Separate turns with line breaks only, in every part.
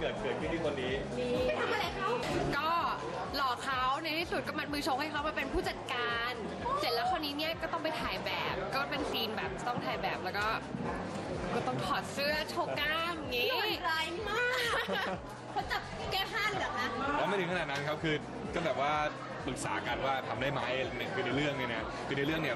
กิดขึ้นที่คนนี้
ไปทำอะไรเขาก็หลอกเขาในที่สุดก็มัดมือชงให้เขามาเป็นผู้จัดการเสร็จแล้วคราวนี้เนี่ยก็ต้องไปถ่ายแบบก็เป็นซีนแบบต้องถ่ายแบบแล้วก็ต้องถอดเสื้อโชว์กล้ามอย่างงี้ร้ายมากเขาจับแก้ผ้าเลยเหรอคะ
แล้วไม่ถึงขนาดนั้นครับคือก็แบบว่าปรึกษากันว่าทำได้ไหมคือในเรื่องเนี่ยนะคือในเรื่องเนี่ย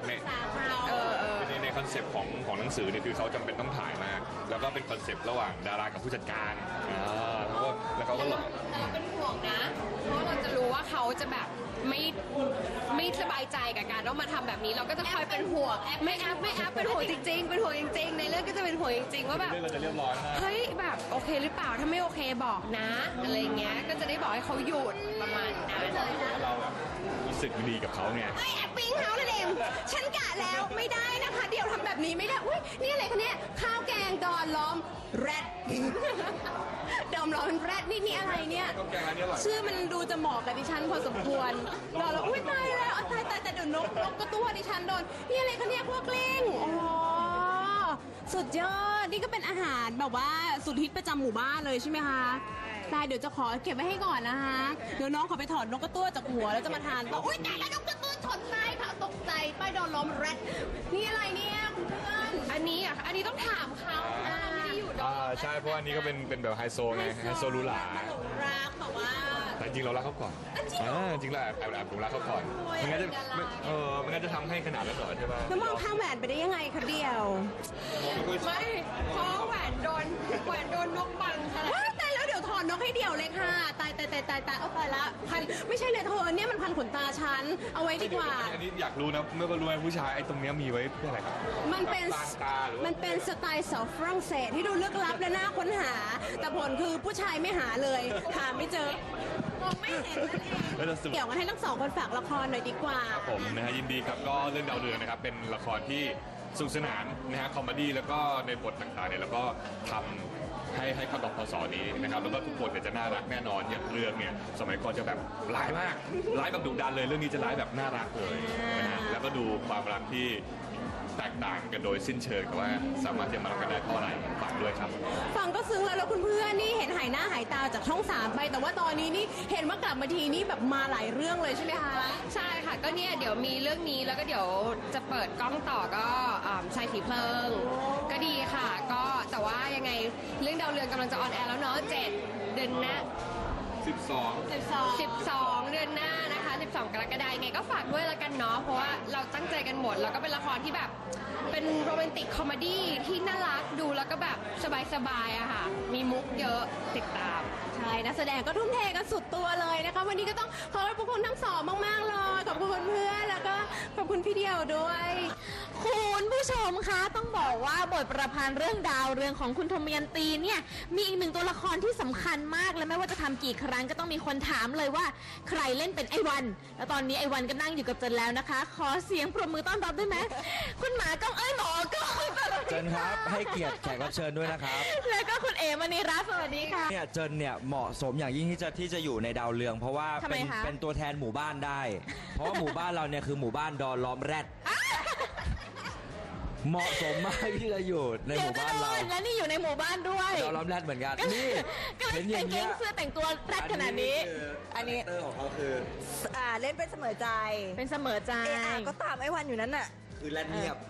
ในคอนเซปต์ของหนังสือเนี่ยคือเขาจำเป็นต้องถ่ายมากแล้วก็เป็นคอนเซปต์ระหว่างดารากับผู้จัดการแล้วเขาก็หลอก
แต่เราเป็นห่วงนะเพราะเราจะรู้ว่าเขาจะแบบไม่สบายใจกับการต้องมาทำแบบนี้เราก็จะคอยเป็นห่วงไม่แอปเป็นห่วงจริงๆเป็นห่วงจริงๆในเรื่องก็จะเป็นห่วงจริงๆว่าแบบ
เราจะเรียบร้อย
เฮ้ยแบบโอเคหรือเปล่าถ้าไม่โอเคบอกนะอะไรเงี้ยก็จะได้บอกให้เขาหยุดประมาณนั้น
เราแบบรู้สึกดีกับเขาไง
ไม่แอปปิ้งเขานั่นเองฉันกะแล้วไม่ได้นะคะเดี๋ยวทำแบบนี้ไม่ได้อุ้ยนี่อะไรคะเนี่ยข้าวแกงดอนล้อมแรดดอมล้อมแรดนี่อะไรเนี่ยชื่อมันดูจะเหมาะกับดิฉันพอสมควรเราแล้วอุ้ยตายแล้วตายแต่เดี๋ยวนกก็ตัวดิฉันโดนนี่อะไรคะเนี่ยพวกเล้งอ๋อสุดยอดนี่ก็เป็นอาหารแบบว่าสุดฮิตประจำหมู่บ้านเลยใช่ไหมคะตายเดี๋ยวจะขอเก็บไว้ให้ก่อนนะคะเดี๋ยวน้องขอไปถอดนกกระตั้วจากหัวแล้วจะมาทานต่ออุ้ยตายแล้วนกกระตั้วชนใต้ค่ะตกใจป้ายโดนล้มแรดนี่อะไรเนี่ยคุณเพื่อนอันนี้ต้องถามเขาไม่ได้อยู่ด้วย
ใช่เพราะอันนี้ก็เป็นแบบไฮโซไงไฮโซลูหลา
รักแบบว่า
แต่จริงเรารักเขาก่อนจริงเราแอบผมรักเขาก่อนมันงั้นจะทำให้ขนาดนั้นเหรอใช่ไหม
แล้วมองข้างแหวนไปได้ยังไงคะเดียวไม่เพราะแหวนโดนนกบังค่ะตายแล้วเดี๋ยวถอนนกให้เดี่ยวเลยค่ะตายเอาไปละพันไม่ใช่เลยเธอเนี่ยมันพันขนตาฉันเอาไว้ดีกว่า
อันนี้อยากรู้นะไม่รู้ไหมผู้ชายไอ้ตรงเนี้ยมีไว้เพื่ออะไรครับ
มันเป็นสไตล์สาวฝรั่งเศสที่ดูลึกลับและน่าค้นหาแต่ผลคือผู้ชายไม่หาเลยหาไม่เจอมองไม่เห็นนั่นเองเกี่ยวกันให้ทั้งสองคนฝากละครหน่อยดีกว่า
ครับผมนะฮะยินดีครับก็เรื่องดาวเรืองนะครับเป็นละครที่สนุกสนานนะฮะคอมเมดี้แล้วก็ในบทต่างๆเนี่ยแล้วก็ทำให้เข้ากับพศนี้นะครับแล้วก็ทุกคนเนี่ยจะน่ารักแน่นอนอย่างเรื่องเนี่ยสมัยก่อนจะแบบร้ายมากร้ายแบบดุดันเลยเรื่องนี้จะร้ายแบบน่ารักเลยนะฮะแล้วก็ดูความรักที่แตกต่างกันโดยสิ้นเชิงแต่ว่าสามารถจะมารักกันได้เพราะอะไรฝากด้วยครับ
ฟังก็ซึ้งแล้วคุณเพื่อนนี่เห็นหายหน้าหายตาจากช่อง3ไปแต่ว่าตอนนี้นี่เห็นว่ากลับมาทีนี้แบบมาหลายเรื่องเลยใช่ไหมคะใช่ค่ะก็เนี่ยเดี๋ยวมีเรื่องนี้แล้วก็เดี๋ยวจะเปิดกล้องต่อก็ชายผีเพลิงก็ดีค่ะก็แต่ว่ายังไงเรื่องดาวเรืองกำลังจะออนแอร์แล้วเนาะ7 เดือนหน้า12 เดือนหน้านะคะ12 กรกฎาคมยังไงก็ฝากด้วยละกันเนาะเพราะว่าเราตั้งใจกันหมดแล้วก็เป็นละครที่แบบเป็นโรแมนติกคอมเมดี้ที่น่ารักดูแล้วก็แบบสบายๆอะค่ะมีมุกเยอะติดตามใช่นักแสดงก็ทุ่มเทกันสุดตัวเลยนะคะวันนี้ก็ต้องขอบคุณทั้งสองมากๆเลยขอบคุณเพื่อนแล้วก็ขอบคุณพี่เดียวด้วย
คุณผู้ชมคะต้องบอกว่าบทประพันธ์เรื่องดาวเรืองของคุณธมยันตีเนี่ยมีอีกหนึ่งตัวละครที่สำคัญมากและไม่ว่าจะทำกี่ครั้งก็ต้องมีคนถามเลยว่าใครเล่นเป็นไอ้วันแล้วตอนนี้ไอ้วันก็นั่งอยู่กับเจนแล้วนะคะขอเสียงปรบมือต้อนรับได้ไหมคุณหมาก้องหมอก็
เจนครับให้เกียรติแขกรับเชิญด้วยนะครับ
แล้วก็คุณเอ๋มณีรัตน์สวัสดีค่ะ
เนี่ยเจนเนี่ยเหมาะสมอย่างยิ่งที่จะอยู่ในดาวเรืองเพราะว่าเป็นตัวแทนหมู่บ้านได้เพราะว่าหมู่บ้านเราเนี่ยคือหมู่บ้านดอนล้อมแรดเหมาะสมมากที่จะอยู่ในหมู่บ้านเรา
และนี่อยู่ในหมู่บ้านด้วย
ดอนล้อมแรดเหมือนกันนี่
เห็นอย่างเงี้ยเสื้อแต่งตัวแรดขนาดนี้
อันนี้เตอร์ของเขาคือ
เล่นเป็นเสมอใจ
เป็นเสมอใจ
ก็ตามไอ้วันอยู่นั้นน่ะ
คือแรดเงียบ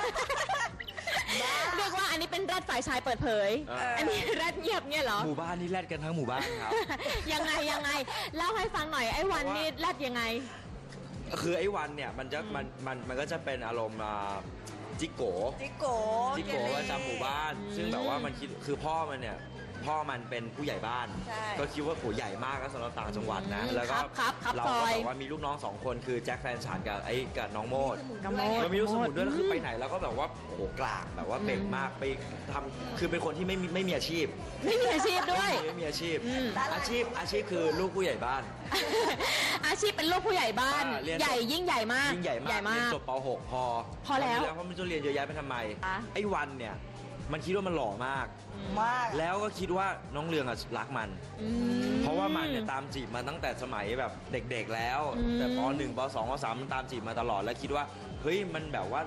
เรียกว่าอันนี้เป็นแรดฝ่ายชายเปิดเผยอันนี้แรดเงียบเนี่ยเหรอ
หมู่บ้านนี่แรดกันทั้งหมู่บ้านครับ
ยังไงเล่าให้ฟังหน่อยไอ้วันนี่แรดยังไง
คือไอ้วันเนี่ยมันก็จะเป็นอารมณ์จิโก้ประจำหมู่บ้านซึ่งแบบว่ามันคิดคือพ่อมันเป็นผู้ใหญ่บ้านก็คิดว่าโหใหญ่มากก็สำหรับต่างจังหวัดนะแล้วก็เราก็แบบว่ามีลูกน้อง2 คนคือแจ็คแฟนฉันกับน้องโมดแล้วมีลูกสมุนด้วยแล้วคือไปไหนเราก็แบบว่าโอ้โหกลางแบบว่าเบ่งมากไปทำคือเป็นคนที่ไม่มีอาชีพ
ด้วย
ไม่มีอาชีพอาชีพคือลูกผู้ใหญ่บ้าน
อาชีพเป็นลูกผู้ใหญ่บ้านใหญ่ยิ่งใหญ่มาก
เรียนจบป .6 พอแล้วเพราะมันจะเรียนเยอะแยะไปทำไมไอ้วันเนี่ยมันคิดว่ามันหล่อมากแล้วก็คิดว่าน้องเรืองรักมันเพราะว่ามันเนี่ยตามจีบมาตั้งแต่สมัยแบบเด็กๆแล้วแต่ป .1 ป .2 ป .3 มันตามจีบมาตลอดแล้วคิดว่าเฮ้ยมันแบบว่า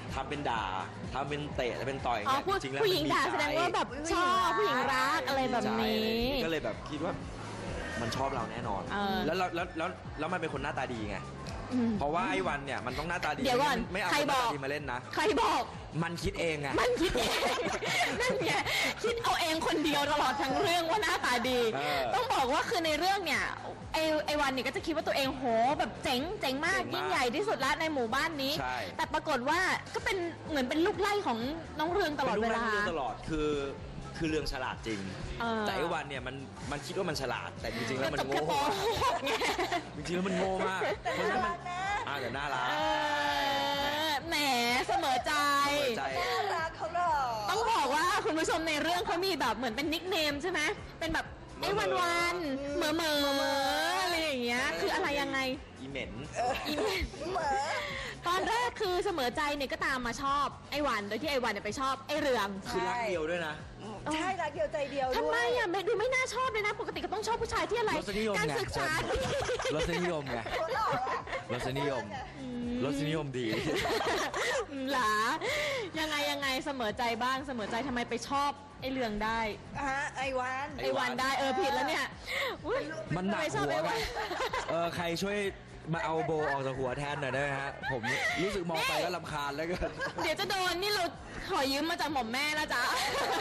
ทำเป็นด่าทำเป็นเตะทำเป็นต่อยอย่าง
อ๋อ
เงี้ย
พูด
จริงๆแล้ว
ผู้หญิง
มันมี
ด่า
ใจ
แสดงว่าแบบชอบผู้หญิงรักอะไรแบบนี้
ก็เลยแบบคิดว่ามันชอบเราแน่นอน
เออ
แล้วมันเป็นคนหน้าตาดีไง
อืม
เพราะว่าไอ้วันเนี่ยมันต้องหน้าตาดี
เดี๋ยวก่อน
ไม่เอา
ใคร
คนหน้า
บอก
ตาดีมาเล่นนะ
ใครบอก
มันคิดเองไง
มันคิดเอง นั่นไงคิดเอาเองคนเดียวตลอดทั้งเรื่องว่าหน้าตาดี
เออ
ต้องบอกว่าคือในเรื่องเนี่ยไอวันเนี่ยก็จะคิดว่าตัวเองโหแบบเจ๋งมาก
เจ๋งมาก
ยิ่งใหญ่ที่สุดละในหมู่บ้านนี้
ใช่
แต่ปรากฏว่าก็เป็นเหมือนเป็นลูกไล่ของน้องเรืองตลอดเวลา
ป็นลูกตลอดคือเรื่องฉลาดจริง
เออ
แต่ไอ้วันเนี่ยมันคิดว่ามันฉลาด แต่จริงๆแล้วมัน
จบแค่
โง่
ป .6 ไง
จริงๆแล้วมันโง่มากเพราะฉะนั้นมันแต่น่ารัก
เออแหมเสมอใจ
เปิดใจ
น่ารักเขาหรอ
ต้องบอกว่าคุณผู้ชมในเรื่องเขามีแบบเหมือนเป็นนิคเนมใช่ไหมเป็นแบบไอ้วันเหมออะไรอย่างเงี้ยคืออะไรยังไง
อีเหม็น
อีเมล
เหมือน
ตอนแรกคือเสมอใจเนี่ยก็ตามมาชอบไอ้วันโดยที่ไอ้วันเนี่ยไปชอบไอ้เรือง
คือรักเดียวด้วยนะ
ใช่รักเดียวใจเดียวด้วย
ทำไมอ่ะดูไม่น่าชอบเลยนะ ปกติก็ต้องชอบผู้ชายที่อะไร
รสนิยม
การ
ไง
ศึกษาร
สนิยมไง
เขาหล่ออะ
รสนิยมรสนิยมดี
หลายังไงเสมอใจบ้างเสมอใจทำไมไปชอบไอ้เรืองได้
ไอวัน
ไอ้วันได้ผิดแล้วเนี่ยอุ๊ย
มันหนัก
ทำไชอบ
หัว
ไอ้
ไง
วัน
ใครช่วยมาเอาโบออกจากหัวแทนหน่อยได้ไหมฮะ ผมรู้สึกมองไปแล้วรำคาญแล้วก็
เดี๋ยวจะโดนนี่เราขอยืมมาจากหม่อมแม่นะจ๊ะ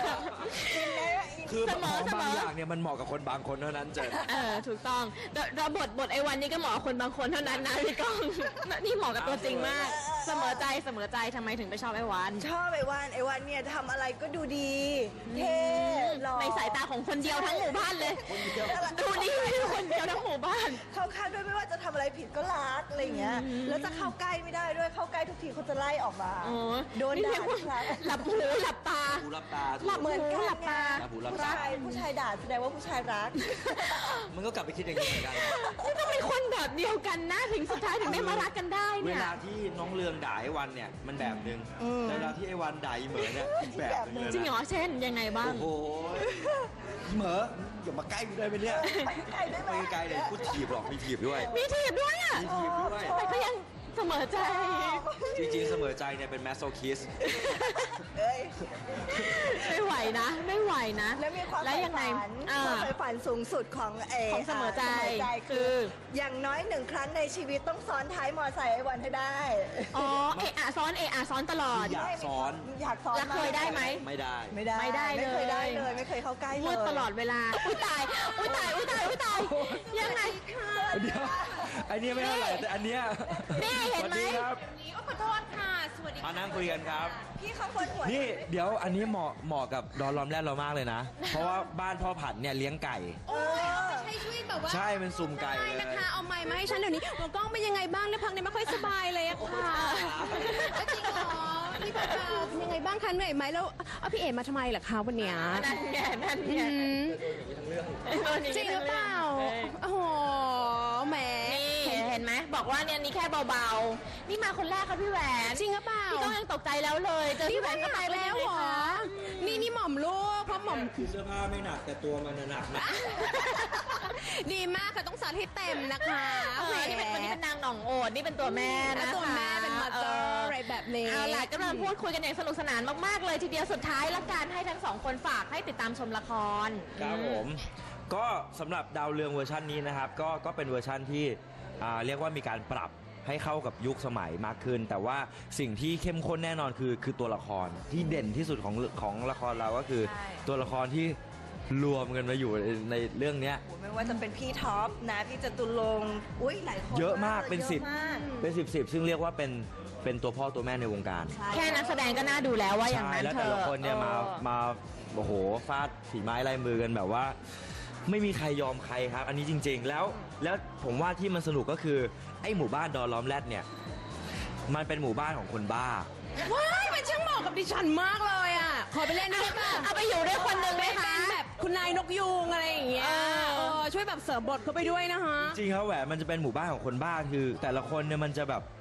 คือ
เสม
ข
อ
อง
เสมอ
บางอย่างเนี่ยมันเหมาะกับคนบางคนเท่านั้นเจอ
ถูกต้องแล้วบทไอ้วันนี้ก็เหมาะกับคนบางคนเท่านั้นนะพี่ก้อง นี่เหมาะกับตัวจริงมาก เสมอใจทำไมถึงไปชอบไอ้วัน
ชอบไอวันเนี่ยทำอะไรก็ดูดีเท่หล่อ
ในสายตาของคนเดียวทั้งหมู่บ้านเลย ดูดีคนเดียวทั้งหมู่บ้าน
เข้าข้างด้วยไม่ว่าจะทำอะไรผิดก็รักอะไรอย่างเงี้ย แล้วจะเข้าใกล้ไม่ได้ด้วยเข้าใกล้ทุกทีเขาจะไล่ออกมา
โอ้
โดน
นี่
ด่า
เรียกว่า
ทุกครั้ง
หลับหูหลับตา
หูรับตา
หลับ
เหมือนกัน
หลับตา
หลับหูหลับ
ผู้
ตา
ชายด่าแสดงว่าผู้ชายรัก
มันก็กลับไปคิดอย่างนี้เหมือนกัน
นี่ต้องเป็นคนแบบเดียวกันนะถึงสุดท้ายถึงได้มารักกันได้
เว
เนี่ย
ลาที่น้องเรืองด่าไอ้วันเนี่ยมันแบบนึง
อืม
แต่เวลาที่ไอ้วันด่าอีเหมอเนี่ยอีกแบบนึงเลย
จริงเหร
นะ
อเช่นยังไงบ้าง
โอ้โหอีเหมออย่ามาใกล้กูได้ไหมเนี่ย
ไปไกลได้ไหม
ไปไกลเลยกูถีบหรอกมีถีบด้วย
มีถีบด้วยอ่ะ
มีถีบด้วย
แต่ก็ยังเสมอใจ
จริงๆเสมอใจเนี่ยเป็นแมสโซคิส
เอ้ย
ไม่ไหวนะ ไม่ไหวนะ
แล้วมีความ
แล้ว
ใฝ่
ยังไง
ฝัน
อ่า
ความใฝ่ฝันสูงสุดของ
ของเสมอใจ
คือ อย่างน้อย1 ครั้งในชีวิตต้องซ้อนท้ายมอไซค์ไอ้วันให้ได้
อ๋อเอะอะซ้อนตลอด
อยากซ้อน
อยากซ้อน
แล้วเคยได้ไหม
ไม่ได้
ไม่ได้
ไม่ได้เลย
ไม่เคยได้เลยไม่เคยเข้าใกล้เลย
พูดตลอดเวลา อุ้ยตาย ยังไง
เดี๋ยวอันนี้ไม่เท่าไหร่แต่อันเนี้ย
นี่เห็นไหม
สวัสดีครับ
ขอโทษค่ะ สวัสดี
มานั่งคุยกันครับ
พี่เขาคนหัว
นี่เดี๋ยวอันนี้เหมาะกับดอนล้อมแรดเรามากเลยนะ เพราะว่าบ้านพ่อผัดเนี่ยเลี้ยงไก่
โอ้ยใช่ช่วยแบบว่า
ใช่เป็นสุ่มไก่เลย
นะคะ เอาไม้มาให้ฉันเดี๋ยวนี้หัวกล้องเป็นยังไงบ้างเนี่ยพักนี้ไม่ค่อยสบายเลยอะค่ะจริงเหรอพี่ปาเป็นยังไงบ้างคะเหนื่อยไหมแล้วเอาพี่เอ๋มาทำไมล่ะคะวันเนี้ย
นั่นไง
อืมจริงหรือเปล่าโอ้โหแหม
นี่เห็นไหมบอกว่าเนี่ยนี่แค่เบาๆ นี่มาคนแรกค่ะพี่แหวน
จริงหรือเปล่า
พี่ก้องยังตกใจแล้วเลยเจอ
นี่
พี่แหว
ว่าน ห
ก็
นั
ตาย
กแล้วเหรอ นี่หม่อมลูกเพราะหม่อม
คือเสื้อผ้าไม่หนักแต่ตัวมันหนักนะ
ดีมากค่ะต้องสาธิตเต็มนะคะ
นี่เป็นวันนี้เป็นนางหนองโอดนี่เป็นตัวแม่นะคะ
ตัวแม่เป็นมาเตอร์อะไรแบบนี้
เอาล่ะกำลังพูดคุยกันอย่างสนุกสนานมากๆเลยทีเดียวสุดท้ายละกันให้ทั้งสองคนฝากให้ติดตามชมละคร
ครับผม ก็สำหรับดาวเรืองเวอร์ชันนี้นะครับ ก็เป็นเวอร์ชันที่เรียกว่ามีการปรับให้เข้ากับยุคสมัยมากขึ้น แต่ว่าสิ่งที่เข้มข้นแน่นอนคือตัวละครที่เด่นที่สุดของละครเราก็คือ
ใช่
ตัวละครที่รวมกันมาอยู่ในเรื่องเนี้ย
ไม่ว่าจะเป็นพี่ท็อปนะพี่จตุรงค์อุ้ยหลายคน
เยอะมากเป็น
ยอะ
10
มาก
เป็น10ซึ่งเรียกว่าเป็นตัวพ่อตัวแม่ในวงการ
ใช่
แค่นักแสดงก็น่าดูแล้วว่าอย่าง
ใช่
นั้น
แล้ว
เธ
แต่
อ
ละคนเนี่ยมาโอ้โหฟาดฝีไม้ลายมือกันแบบว่า ไม่มีใครยอมใครครับ อันนี้จริง ๆ แล้วผมว่าที่มันสนุกก็คือไอ้หมู่บ้านดอนล้อมแรดเนี่ยมันเป็นหมู่บ้านของคนบ้า
ว้ายมันช่างเหมาะกับดิฉันมากเลยอ่ะ ขอไปเล่นด้วยป่ะ
เอาไปอยู่ด้วยคนหนึ่งไหมคะ
เป็นแบบคุณนายนกยูงอะไรอย่างเงี้ยช่วยแบบเสริมบทเข้าไปด้วยนะคะ
จริงๆครับแหวนมันจะเป็นหมู่บ้านของคนบ้าคือ แต่ละคนเนี่ยมันจะแบบ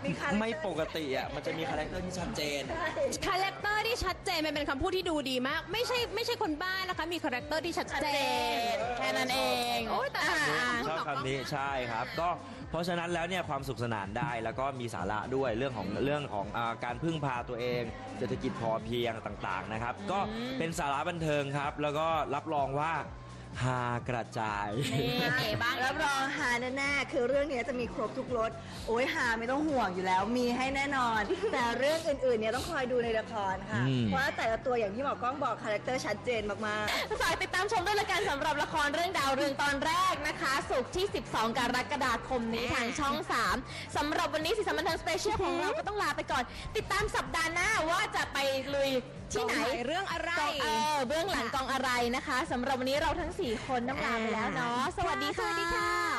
มีคาแรคเตอร์
ไม่ปกติอ่ะมันจะมีคาแรคเตอร์ที่ชัดเจน
คาแรคเตอร์ที่ชัดเจนมันเป็นคำพูดที่ดูดีมาก ไม่ใช่คนบ้านะคะ มีคาแรคเตอร์ที่ชัดเจน
แค่นั้นเอง
โอ้ยแต่ละ
ชอบคำนี้ใช่ครับก็เพราะฉะนั้นแล้วเนี่ยความสุขสนานได้แล้วก็มีสาระด้วยเรื่องของการพึ่งพาตัวเองเศรษฐกิจพอเพียงต่างๆนะครับก็เป็นสาระบันเทิงครับแล้วก็รับรองว่าฮากระจาย
นี่เก๋บ้าง
รับรองหาแน่ๆคือเรื่องนี้จะมีครบทุกรสโอ้ยหาไม่ต้องห่วงอยู่แล้ว มีให้แน่นอน แต่เรื่องอื่นๆเนี่ยต้องคอยดูในละครค่ะ
อืม
เพราะว่าแต่ละตัวอย่างที่หมอกล้องบอกคาแรคเตอร์ชัดเจนมากๆ
ฝากติดตามชมด้วยละกันสำหรับละครเรื่องดาวเรืองตอนแรกนะคะศุกร์ที่ 12 กรกฎาคมนี้ทางช่อง 3สำหรับวันนี้สีสันบันเทิงสเปเชียลของเราก็ต้องลาไปก่อน ติดตามสัปดาห์หน้าว่าจะไปลุยที่ไหน
เรื่องอะไร
เบื้องหลังกองอะไรนะคะสำหรับวันนี้เราทั้ง 4 คนต้องลาไปแล้วเนาะสวัสดีค่ะ